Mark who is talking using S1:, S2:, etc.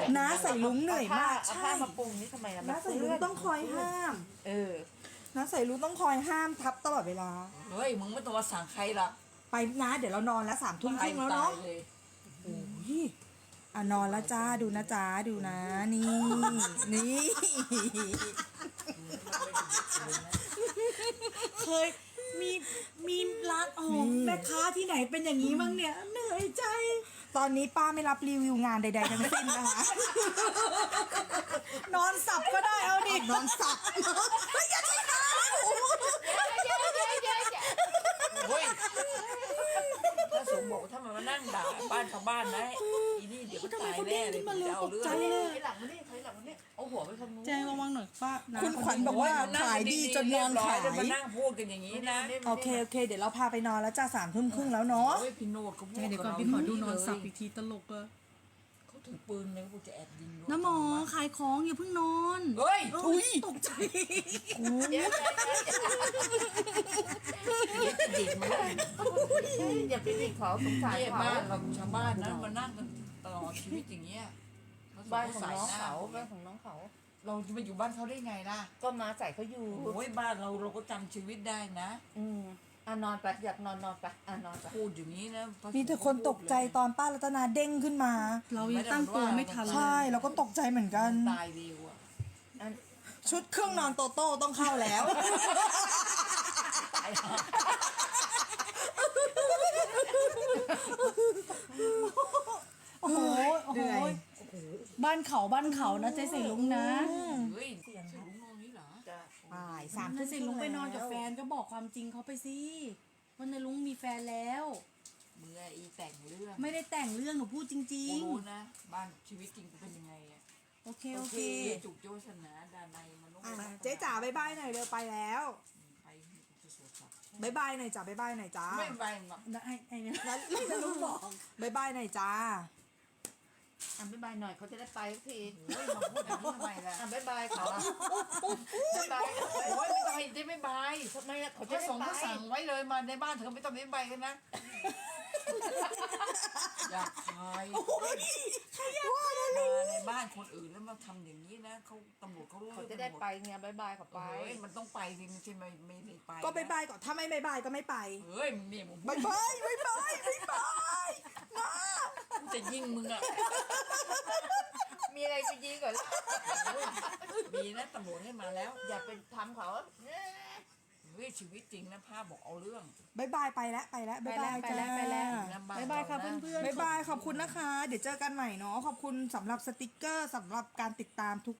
S1: น้าใส่ลุงเหนื่อยมาก
S2: เอา
S1: ใช่
S2: ผ้ามาปรุงนี่ทำไมล่ะ
S1: น้าใส่ลุงต้องคอยห้าม น้าใส่ลุงต้องคอยห้ามทับตลอดเวลา
S3: เฮ้ยมึงไม่ต้องมาสั่งใครหรอก
S1: ไปนะเดี๋ยวเรานอนแล้ว3 ทุ่มครึ่งแล้วเนาะ
S3: ตยเลย
S1: โอ้ยนอนแล้วจ้าดูนะจ้าดูนะนี่นี่
S4: เคยมีร้านแม่ค้าที่ไหนเป็นอย่างนี้บ้างเนี่ยเหนื่อยใจ
S1: ตอนนี้ป้าไม่รับรีวิวงานใดๆทั้งสิ้นนะคะ นอนสับก็ได้เอาดินอนสับเฮ้ยอย่าใช้น้
S3: เฮ้ยถ้าสมบอกถ้ามันมานั่งด่าบ้านชาวบ้านนะอีนี่เดี๋ยวมันตายแน่เลยมันจะเอาเรื่อง
S2: ถอยหลังมานี่ถอยหลังมานี่
S3: เอาหัวไปทางนู้น
S4: แจ้งระวังหน่อยป้านะ
S1: คุณขวัญบอกว่าขายดีจนนอนขาย
S3: มานั่งพูดกันอย่างนี้นะ
S1: โอเคเดี๋ยวเราพาไปนอนแล้วจ้า3 ทุ่มครึ่งแล้วเนาะ
S3: เฮ้ยพี่โนดเขาพูด
S4: เดี๋ยวก่อนพี่ขอดูนอนสับอีกทีตลกอะ
S3: เขาถือปืนเลยกูจะแอบยิง
S4: น้าหมอขายของอย่าเพิ่งนอน
S3: เฮ้ย
S1: อุ้ย
S4: ตกใจ
S2: เดี๋ยว
S3: จะดิกมาเลย
S2: อย่าไปดิเขาสงสาร
S3: เนี่ย
S2: เขา
S3: บ้านเราชาวบ้านนะมานั่งกันตลอดชีวิตอย่างเงี้ย
S2: บ้านของน้องเขาบ้านของน้องเขา
S3: เราจะไปอยู่บ้านเขาได้ไงล่ะ
S2: ก็มาใส่เขาอยู่
S3: โอ้ยบ้านเราก็จำชีวิตได้นะ
S2: นอนไปอยากนอนไปนอนไป
S3: พูดอย่างนี้นะ
S1: มีแต่คนตกใจตอนป้ารัตนาเด้งขึ้นมา
S4: เรายังตั้งตัวไม่ทันเลย
S1: ใช่เราก็ตกใจเหมือนกัน
S3: ตายเร็วอ่ะ
S1: ชุดเครื่องนอนโตโต้ต้องเข้าแล้ว
S4: โอ้โหบ้านเขานะเจ๊ใส่ลุงนะ
S3: เฮ้ยเสียงลุงนอนนี่เหรอ
S1: บ่าย3
S4: เจ๊
S1: ทุ่ม
S4: ใส่ลุงไปนอนกับแฟนก็บอกความจริงเขาไปสิว่าในลุงมีแฟนแล้ว
S3: เมื่ออีแต่งเรื่อง
S4: ไม่ได้แต่งเรื่องหนูพูดจริ
S3: กู
S4: ง
S3: รู้นะ บ้านชีวิตจริงกูเป็นยังไงอ่ะ
S4: ๆโอเค
S3: จุกโจชนะดานในมนุษย์
S1: เจ๊จ๋าบายบายหน่อยเร็วไปแล้ว
S3: ไปจะสวดสับ
S1: บายบายหน่อยจ้าบายบายหน่อยจ้า
S3: ไม่ไปหรอก
S4: ได้ไอ้เนี่ย
S1: แล้วลุงบอกบายบายหน่อยจ้า
S2: บ๊ายบายหน่อยเขาจะได้ไปสักที
S3: โอ้ยมาพูดอย่างนี้ทำไมล่ะ
S2: บ๊ายบายเขาบ๊ายบาย
S3: โอ้ยไม่ต้องให้เจ๊ไม่บาย
S2: ทำไมล่ะเขา
S3: พ
S2: จะ
S3: ระ
S2: ได้
S3: สงฆ์
S2: ไป
S3: ก็สั่งไว้เลยมาในบ้านเธอไม่ต้องไม่บายกันนะอยากขายมาในบ้านคนอื่นแล้วมาทำอย่างนี้นะเขาตำรวจเขารู้
S2: เขาจะได้ไปไงบ๊ายบายเขาไป
S3: เฮ้ยมันต้องไปจริงใช่ไหมไม่ได้ไป
S1: ก็บายบายก่อนถ้าไม่บายบายก็ไม่ไป
S3: เฮ้ยมึงเนี่ยมึง
S1: บายบายบายบายบายบายนะ
S3: กูจะยิงมึงอ่ะ
S2: มีอะไรไปยิงก่อน
S3: มีนะตำรวจให้มาแล้ว
S2: อย่าไปทำเขา
S3: เฮ้ยชีวิตจริงนะภาพบอกเอาเรื่อง
S1: บายบายไปแล้วบายบายจ้า
S4: บ๊ายบายค่ะเพื่อนๆ
S1: บายบายขอบคุณนะคะ เดี๋ยวเจอกันใหม่เนาะขอบคุณสำหรับสติกเกอร์สำหรับการติดตามทุก